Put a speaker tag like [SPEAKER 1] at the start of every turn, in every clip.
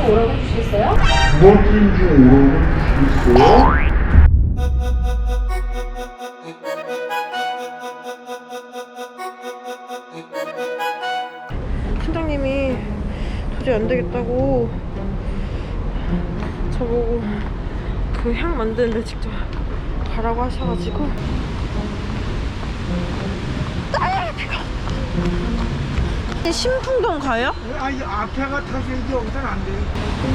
[SPEAKER 1] 중 오라고 해주시겠어요?
[SPEAKER 2] 두 번째 중 오라고 해주시겠어요?
[SPEAKER 3] 팀장님이 도저히 안 되겠다고 저보고 그 향 만드는데 직접 가라고 하셔가지고 신풍동 가요?
[SPEAKER 4] 아니 앞에가 타셔야지 여기서는 안 돼요.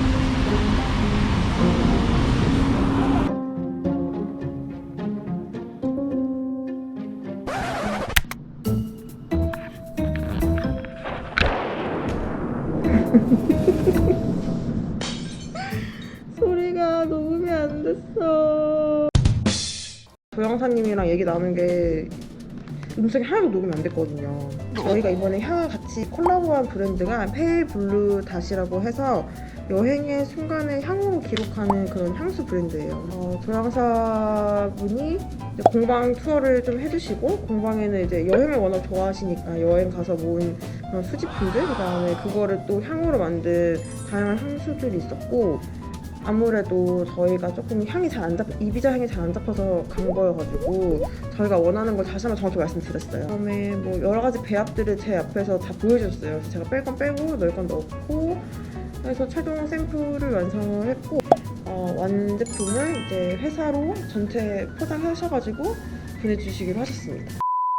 [SPEAKER 3] 소리가 녹음이 안 됐어. 조영사님이랑 얘기 나눈 게 음성이 하나도 녹음이 안 됐거든요. 저희가 이번에 향을 같이 콜라보한 브랜드가 페일블루 닷이라고 해서 여행의 순간을 향으로 기록하는 그런 향수 브랜드예요. 조향사분이 이제 공방 투어를 좀 해주시고, 공방에는 이제 여행을 워낙 좋아하시니까 여행 가서 모은 그런 수집품들, 그 다음에 그거를 또 향으로 만든 다양한 향수들이 있었고, 아무래도 저희가 조금 향이 잘 안 잡, 이비자 향이 잘 안 잡혀서 간 거여가지고 저희가 원하는 걸 다시 한번 정확히 말씀드렸어요. 그다음에 뭐 여러 가지 배합들을 제 앞에서 다 보여줬어요. 그래서 제가 뺄 건 빼고 넣을 건 넣고 해서 최종 샘플을 완성을 했고, 완제품을 이제 회사로 전체 포장하셔가지고 보내주시기로 하셨습니다.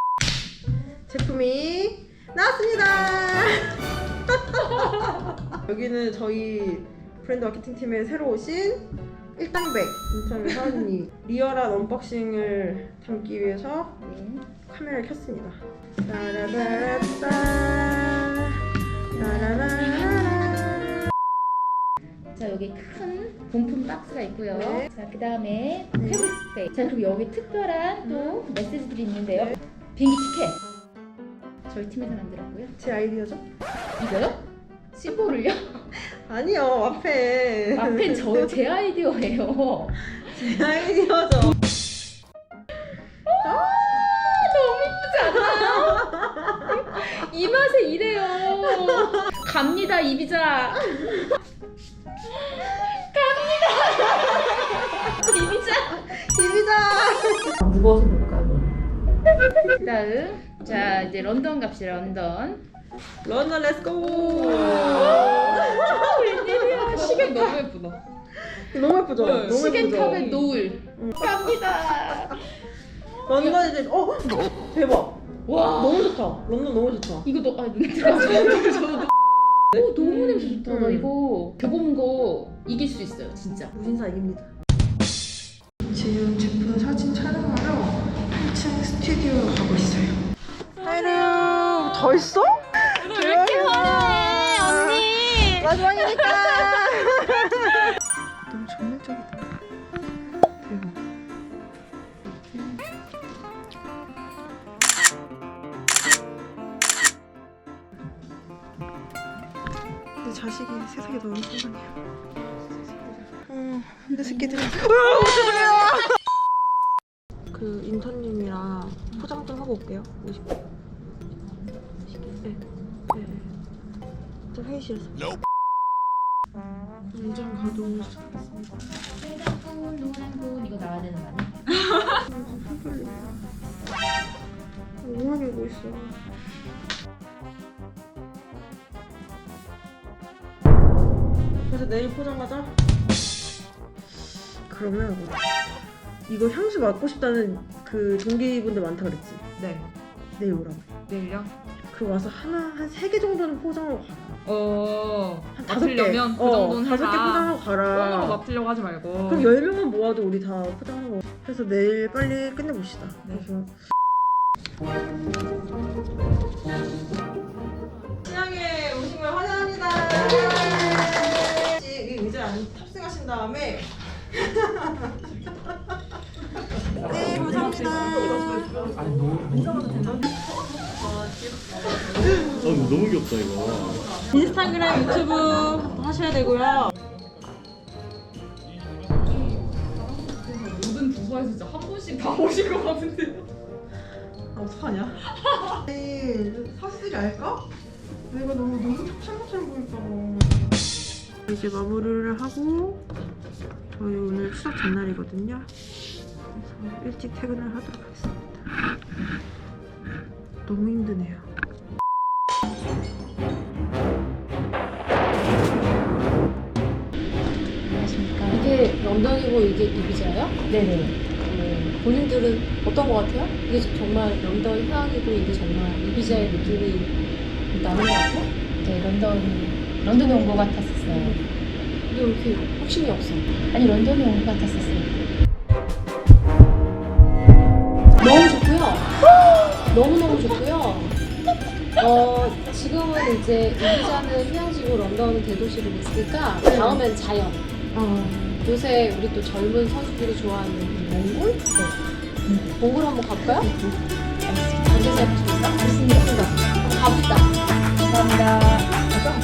[SPEAKER 3] 제품이 나왔습니다. 여기는 저희 브랜드 마케팅팀에 새로 오신 일당백 인천 사원님 리얼한 언박싱을 담기 위해서 카메라를 켰습니다. 따라라라따 따라라라라.
[SPEAKER 1] 자, 여기 큰 본품 박스가 있고요.
[SPEAKER 3] 네.
[SPEAKER 1] 자, 그 다음에 패브릭 스프레이. 자, 그리고 여기 특별한 또 메시지들이 있는데요.
[SPEAKER 3] 네.
[SPEAKER 1] 비행기 티켓. 저희 팀에서 만들었고요.
[SPEAKER 3] 제 아이디어죠?
[SPEAKER 1] 이거요? 심볼을요?
[SPEAKER 3] 아니요, 앞에
[SPEAKER 1] 앞엔 제 아이디어예요.
[SPEAKER 3] 제 아이디어죠.
[SPEAKER 1] 너무 이쁘지 않아요? 이 맛에 이래요. 갑니다, 이비자. 갑니다.
[SPEAKER 3] 이비자.
[SPEAKER 1] 무거워서 볼까요? 그 다음, 자, 이제 런던 갑시다, 런던.
[SPEAKER 3] 런던 렛츠고.
[SPEAKER 1] 웬일이야. 시계 너무 예쁘다.
[SPEAKER 3] 너무 예쁘죠? 너무 예쁘죠?
[SPEAKER 1] 시계탑의 노을. 갑니다.
[SPEAKER 3] 런던 이제 대박.
[SPEAKER 1] 와.
[SPEAKER 3] 너무 좋다. 런던 너무 좋다.
[SPEAKER 1] 이거 눈에 들어가서 너무 냄새 좋다. 나 이거 겨본 거 이길 수 있어요, 진짜.
[SPEAKER 3] 무신사 이깁니다. 지금 제품 사진 촬영하러 1층 스튜디오 가고 있어요. 하이루 더 있어?
[SPEAKER 1] 왜 이렇게 화려해, 언니?
[SPEAKER 3] 마지막이니까. 너무 전면적이다. 대박. 내 자식이 세상에 너무 순간이야. 내 새끼들이. 그 인턴님이랑 포장 좀 하고 올게요. 50분. 네. 네. 좀 회의실에서. 문장 가동 시작하겠습니다.
[SPEAKER 1] 빨간분, 노란분 이거 나와야 되는 거 아니야?
[SPEAKER 3] 오만 읽고 있어. 그래서 내일 포장 가자. 그러면 이거 향수 맡고 싶다는 그 동기분들 많다 그랬지?
[SPEAKER 5] 네.
[SPEAKER 3] 내일 오라고.
[SPEAKER 5] 내일요?
[SPEAKER 3] 그리고 와서 한 3개 정도는 포장하고 가라. 한 5개.
[SPEAKER 5] 맡으려면 그 정도는
[SPEAKER 3] 5개
[SPEAKER 5] 해라.
[SPEAKER 3] 포장하고 가라.
[SPEAKER 5] 꽁으로 맡으려고 하지 말고.
[SPEAKER 3] 그럼 10명만 모아도 우리 다 포장하고. 그래서 내일 빨리 끝내봅시다.
[SPEAKER 5] 네.
[SPEAKER 3] 그래서 신앙에 오신 걸 환영합니다. 이 의자에 탑승하신 다음에 네, 감사합니다.
[SPEAKER 2] 이거 너무 귀엽다 이거.
[SPEAKER 3] 인스타그램, 유튜브 하셔야 되고요.
[SPEAKER 5] 모든 부서에서 진짜 한 분씩 다 오실 것 같은데.
[SPEAKER 3] 어떡하냐? 사수들이 알까? 내가 너무 찹찹찹 보일까 봐. 이제 마무리를 하고 저희 오늘 추석 전날이거든요. 그래서 일찍 퇴근을 하도록 하겠습니다. 너무 힘드네요.
[SPEAKER 1] 이게 런던이고 이게 이비자예요? 네네. 본인들은 어떤 것 같아요? 이게 정말 런던 휴양이고 이게 정말 이비자의 느낌이 나는 것 같아요?
[SPEAKER 6] 네, 런던에 온 것 같았었어요.
[SPEAKER 1] 근데 왜 이렇게 확신이 없어?
[SPEAKER 6] 아니, 런던에 온 것 같았었어요.
[SPEAKER 1] 너무 좋고요. 너무너무 좋고요. 지금은 이제 이비자는 휴양지고 런던은 대도시로 있으니까 다음엔 자연. 요새 우리 또 젊은 선수들이 좋아하는 몽골? 네. 몽골 한번 가볼까요? 앉아서 해보실까? 알겠습니다. 한번 가봅시다.
[SPEAKER 6] 감사합니다.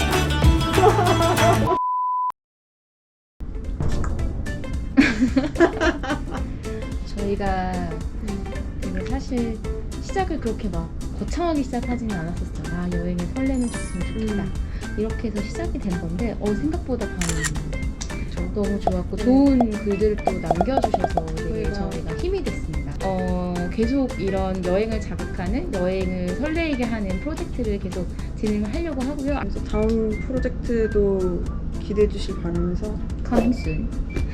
[SPEAKER 6] 저희가 되게 사실 시작을 그렇게 막 거창하게 시작하지는 않았었어요. 아, 여행에 설레는 줬으면 좋겠다. 이렇게 해서 시작이 된 건데 생각보다 반응이 너무 좋았고 좋은 글들을 또 남겨주셔서 되게 저희가 힘이 됐습니다. 계속 이런 여행을 자극하는, 여행을 설레게 하는 프로젝트를 계속 진행을 하려고 하고요.
[SPEAKER 3] 그래서 다음 프로젝트도 기대해 주실 바라면서
[SPEAKER 6] 강순.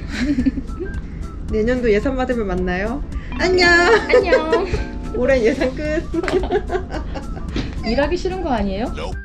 [SPEAKER 3] 내년도 예산 받으면 만나요. 안녕.
[SPEAKER 6] 안녕.
[SPEAKER 3] 올해 예산 끝.
[SPEAKER 6] 일하기 싫은 거 아니에요?